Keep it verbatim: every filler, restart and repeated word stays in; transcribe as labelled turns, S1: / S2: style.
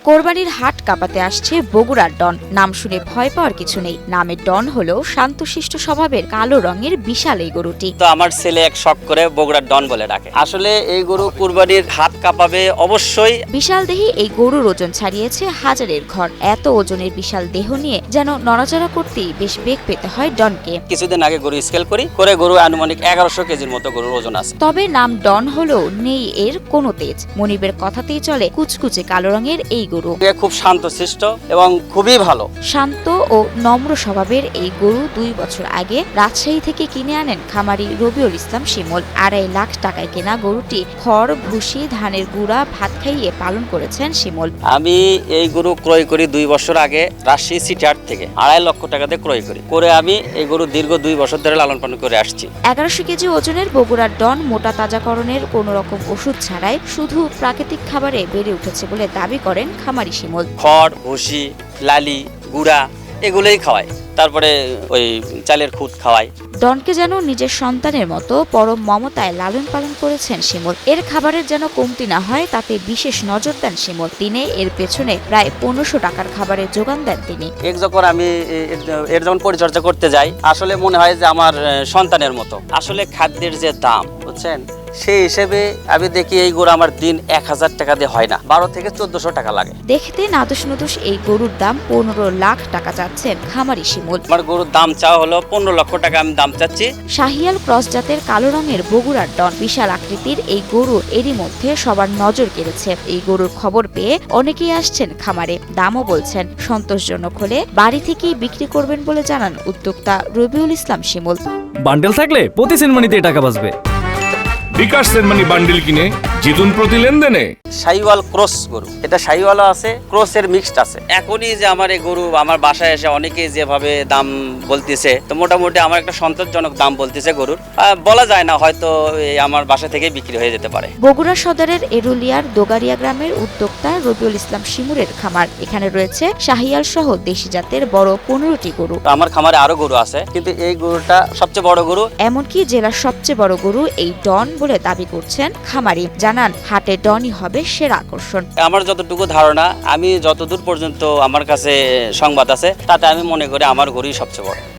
S1: কোরবানির হাট কাঁপাতে আসছে বগুড়ার ডন। নাম শুনে ভয় পাওয়ার কিছু নেই। নামের ডন হলো শান্তশিষ্ট স্বভাবের কালো রঙের বিশাল এই গরুটি।
S2: তো আমার ছেলে এক শখ করে বগুড়ার ডন বলে ডাকে। আসলে এই গরু কুরবানির হাত কাঁপাবে অবশ্যই।
S1: বিশাল দেহি এই গরুর ওজন ছাড়িয়েছে হাজারের ঘর। এত ওজনের বিশাল দেহ নিয়ে যেন নড়াচড়া করতেই বেশ বেগ পেতে হয় ডনকে।
S2: কিছুদিন আগে গরু স্কেল করি করে গরু আনুমানিক এগারোশো কেজির মতো গরুর ওজন আছে।
S1: তবে নাম ডন হলেও নেই এর কোনো তেজ। মনিবের কথাতেই চলে কুচকুচে কালো রঙের এই গরু।
S2: খুব শান্তশিষ্ট এবং খুবই ভালো।
S1: শান্ত ও নম্র স্বভাবের এই গরু দুই বছর আগে রাজশাহী থেকে কিনে আনেন খামারি রবিউল ইসলাম শিমুল। আড়াই লাখ টাকায় কেনা গরুটি খড়, ভুসি, ধানের গুঁড়া, ভাত খাইয়ে পালন করেছেন শিমুল।
S2: আমি এই গরু ক্রয় করি দুই বছর আগে রাজশাহী সিটি হাট থেকে আড়াই লক্ষ টাকাতে ক্রয় করি করে আমি এই গরু দীর্ঘ দুই বছর ধরে লালন পালন করে আসছি।
S1: এগারোশো কেজি ওজনের বগুড়ার ডন মোটা তাজাকরণের কোন রকম ওষুধ ছাড়াই শুধু প্রাকৃতিক খাবারে বেড়ে উঠেছে বলে দাবি করেন খামারি শিমুল।
S2: খড়, ভুসি, লালি, গুড়া এগুলোই খাওয়ায়, তারপরে ওই চালের খুদ খাওয়ায়।
S1: ডনকে যেন নিজের সন্তানের মতো পরম মমতায় লালন পালন করেছেন শিমুল। এর খাবারের যেন কমতি না হয় তাতে বিশেষ নজর দেন শিমুল। দিনে এর পেছনে প্রায় পনেরোশো টাকার খাবারের যোগান দেন তিনি।
S2: এক যখন আমি এর যখন পরিচর্যা করতে যাই আসলে মনে হয় যে আমার সন্তানের মতো। আসলে খাদ্যের যে দাম বুঝছেন, সেই হিসেবে আমি দেখি এই গরু আমার দিন এক হাজার টাকা দিয়ে হয় না, বারো থেকে চোদ্দশো টাকা লাগে।
S1: দেখতে নাদুস নুদুস এই গরুর দাম পনেরো লাখ টাকা চাচ্ছেন খামারি শিমুল।
S2: আমার গরুর দাম চাওয়া হলো পনেরো লক্ষ টাকা আমি দাম চাচ্ছি।
S1: শাহিয়াল ক্রস জাতের কালো রঙের বগুড়ার ডন বিশাল আকৃতির এই গরু এরই মধ্যে সবার নজর কেড়েছে। এই গরুর খবর পেয়ে অনেকেই আসছেন খামারে। দামও বলছেন সন্তোষজনক হলে বাড়ি থেকেই বিক্রি করবেন বলে জানান উদ্যোক্তা রবিউল ইসলাম শিমুল।
S3: বান্ডেল থাকলে প্রতি সেনমানিতে টাকা বাঁচবে।
S4: বিকাশ সেনমানি বান্ডিল কিনে জিতুন প্রতি লেনদেনে।
S2: শাহিওয়াল ক্রস গরু, এটা শাহিওয়ালও আছে, ক্রসের মিক্সড আছে। এখনই যে আমার এই গরু আমার বাসায় এসে অনেকে যেভাবে দাম বলতেছে, তো মোটামুটি আমার একটা সন্তোষজনক দাম বলতেছে গরুর। বলা যায় না, হয়তো আমার বাসা থেকে বিক্রি হয়ে যেতে পারে।
S1: বগুড়া সদরের এরুলিয়ার দোগারিয়া গ্রামের উদ্যোক্তা রবিউল ইসলাম শিমুরের খামার। এখানে রয়েছে শাহিয়াল সহ দেশি জাতের বড় পনেরোটি গরু।
S2: আমার খামারে আরো গরু আছে, কিন্তু এই গরুটা সবচেয়ে বড় গরু।
S1: এমনকি জেলার সবচেয়ে বড় গরু এই ডন বলে দাবি করছেন খামারি। জানান হাটে ডনই হবে সেরা আকর্ষণ।
S2: আমার যতটুকু ধারণা, আমি যতদূর পর্যন্ত আমার কাছে সংবাদ আছে, তাতে আমি মনে করি আমার গরুই সবচেয়ে বড়।